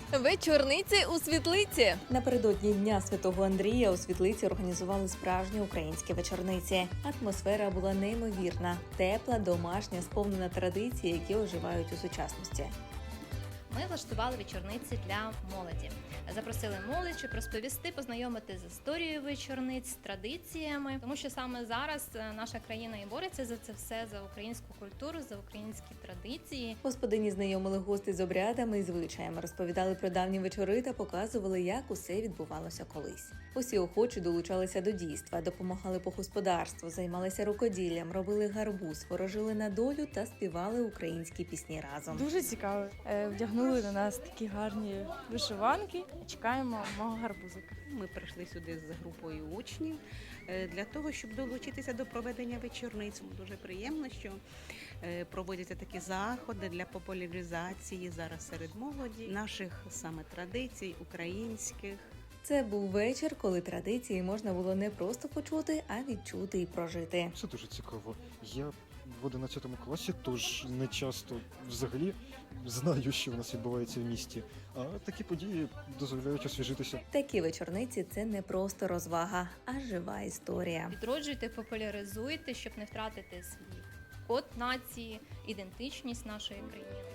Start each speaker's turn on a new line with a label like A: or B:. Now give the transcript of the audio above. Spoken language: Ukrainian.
A: Вечорниці у Світлиці.
B: Напередодні Дня Святого Андрія у Світлиці організували справжні українські вечорниці. Атмосфера була неймовірна, тепла, домашня, сповнена традицій, які оживають у сучасності.
C: Ми влаштували вечорниці для молоді. Запросили молодь, щоб розповісти, познайомити з історією вечорниць, з традиціями, тому що саме зараз наша країна і бореться за це все, за українську культуру, за українські традиції.
B: Господині знайомили гостей з обрядами і звичаями, розповідали про давні вечори та показували, як усе відбувалося колись. Усі охочі долучалися до дійства, допомагали по господарству, займалися рукоділлям, робили гарбуз, ворожили на долю та співали українські пісні разом.
D: Дуже цікаво. Вдягнули на нас такі гарні вишиванки. Чекаємо мого гарбузика.
E: Ми прийшли сюди з групою учнів для того, щоб долучитися до проведення вечорниць. Дуже приємно, що проводяться такі заходи для популяризації зараз серед молоді наших саме традицій українських.
B: Це був вечір, коли традиції можна було не просто почути, а відчути і прожити.
F: Це дуже цікаво. Я в 11 класі, тож не часто взагалі знаю, що в нас відбувається в місті. А такі події дозволяють освіжитися.
B: Такі вечорниці – це не просто розвага, а жива історія.
C: Відроджуйте, популяризуйте, щоб не втратити свій код нації, ідентичність нашої країни.